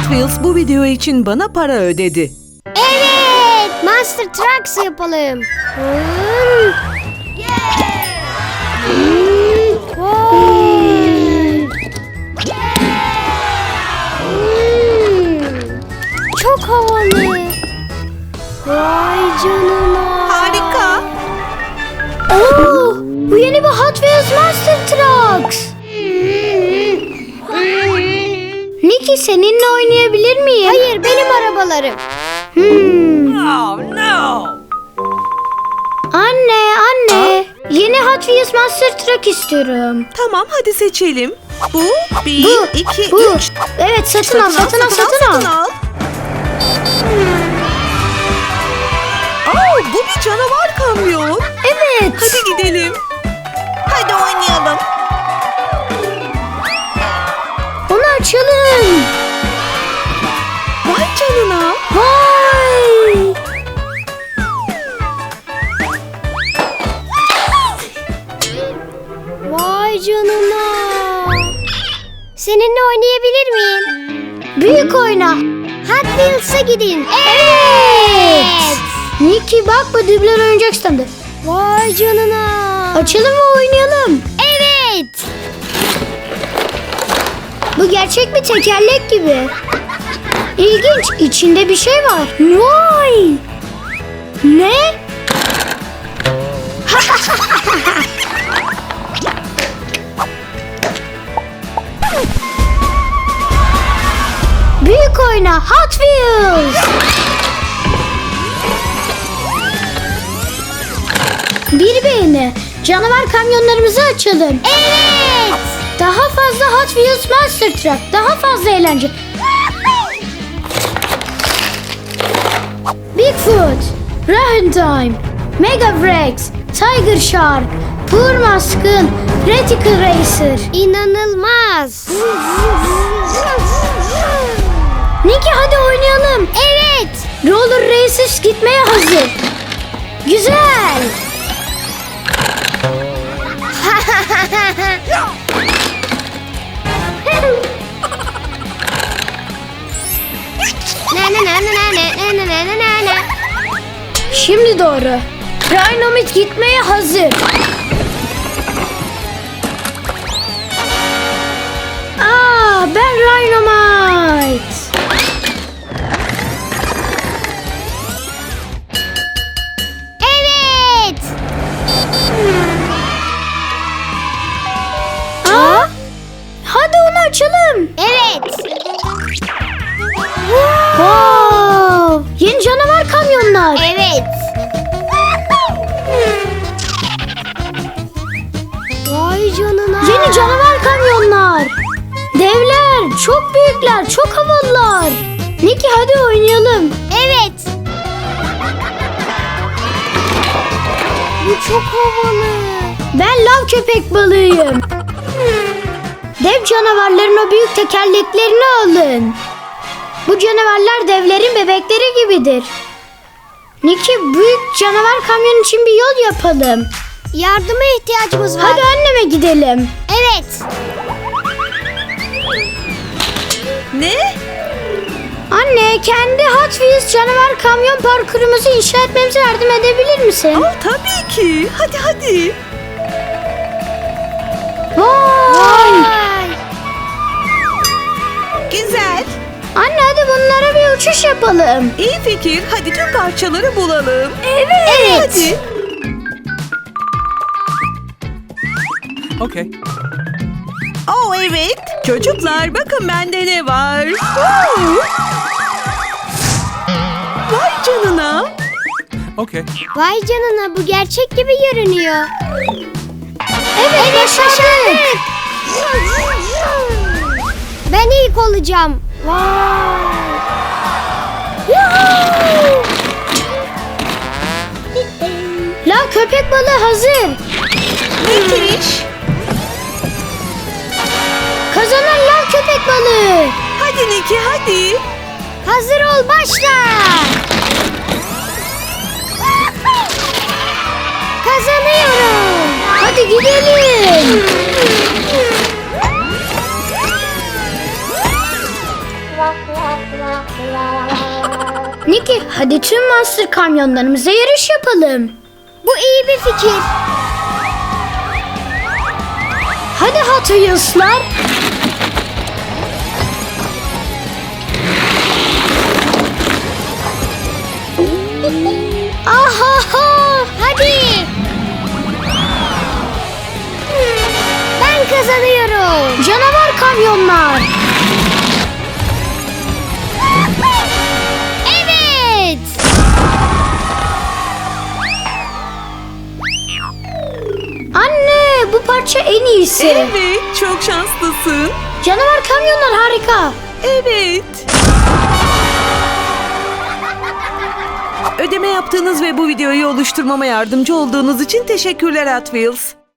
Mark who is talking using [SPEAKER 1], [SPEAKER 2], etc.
[SPEAKER 1] Wheels bu video için bana para ödedi.
[SPEAKER 2] Evet, Monster Trucks yapalım. Çok havalı. Vay canına.
[SPEAKER 1] Harika.
[SPEAKER 2] Oo, bu yeni bir Hot Wheels Monster Trucks. Nicky, seninle oynayabilir miyim? Hayır, benim arabalarım.
[SPEAKER 1] Oh no.
[SPEAKER 2] Anne. Yeni Hot Wheels Monster Truck istiyorum.
[SPEAKER 1] Tamam, hadi seçelim. Bu, bir,
[SPEAKER 2] Bu,
[SPEAKER 1] iki,
[SPEAKER 2] bu.
[SPEAKER 1] üç.
[SPEAKER 2] Evet, satın al.
[SPEAKER 1] Oh, bu bir canavar kamyon.
[SPEAKER 2] Evet.
[SPEAKER 1] Hadi gidelim. Hadi oynayalım.
[SPEAKER 2] Onu açalım.
[SPEAKER 1] Vay canına.
[SPEAKER 2] Vay. Vay canına. Seninle oynayabilir miyim? Büyük oyna. Hot Wheels'a gidin. Evet. Nicky, bak, bu dübler oyuncak standı. Vay canına. Açalım ve oynayalım. Evet. Bu gerçek bir tekerlek gibi. İlginç. İçinde bir şey var. Vay. Ne? Büyük oyna Hot Wheels. Bir beğeni. Canavar kamyonlarımızı açalım. Evet. Daha fazla Hot Wheels Monster Truck. Daha fazla eğlence. Bigfoot, Rahentime, Mega Wrex, Tiger Shark, Poor Maskın, Reticle Racer. İnanılmaz. Nicky, hadi oynayalım. Evet. Roller Races gitmeye hazır. Güzel. Şimdi doğru. Rhinomit gitmeye hazır. Ben Rhinomite. Evet. Hadi onu açalım. Evet. Wow. Yeni canavar kamyonlar. Evet. Vay canına. Yeni canavar kamyonlar. Devler, çok büyükler, çok havalılar. Nicky, hadi oynayalım. Evet. Bu çok havalı. Ben lav köpek balığıyım. Dev canavarların o büyük tekerleklerini alın. Bu canavarlar devlerin bebekleri gibidir. Nicky, büyük canavar kamyon için bir yol yapalım. Yardıma ihtiyacımız var. Hadi anneme gidelim. Evet.
[SPEAKER 1] Ne?
[SPEAKER 2] Anne, kendi Hot Wheels canavar kamyon parkurumuzu inşa etmemize yardım edebilir misin?
[SPEAKER 1] Oh, tabii ki. Hadi.
[SPEAKER 2] Vay!
[SPEAKER 1] Güzel.
[SPEAKER 2] Anne, hadi bunlara bir uçuş yapalım.
[SPEAKER 1] İyi fikir. Hadi tüm parçaları bulalım.
[SPEAKER 2] Evet.
[SPEAKER 1] Hadi.
[SPEAKER 3] Okay.
[SPEAKER 1] Oh evet. Çocuklar, bakın bende ne var. Vay canına.
[SPEAKER 3] Okay.
[SPEAKER 2] Vay canına, bu gerçek gibi görünüyor. Evet, başardık. Ben ilk olacağım. Vay. La, köpek balığı hazır.
[SPEAKER 1] Müthiş.
[SPEAKER 2] Kazanan la köpek balığı.
[SPEAKER 1] Hadi Nicky, hadi.
[SPEAKER 2] Hazır ol, başla. Kazanıyorum. Hadi gidelim. Niki, hadi tüm monster kamyonlarımıza yarış yapalım. Bu iyi bir fikir. Hadi Hot Wheels'lar. Ahaha, hadi. Ben kazanıyorum. Canavar kamyonlar. Evet. Anne, bu parça en iyisi.
[SPEAKER 1] Evet, çok şanslısın.
[SPEAKER 2] Canavar kamyonlar harika.
[SPEAKER 1] Evet. Ödeme yaptığınız ve bu videoyu oluşturmama yardımcı olduğunuz için teşekkürler Hot Wheels.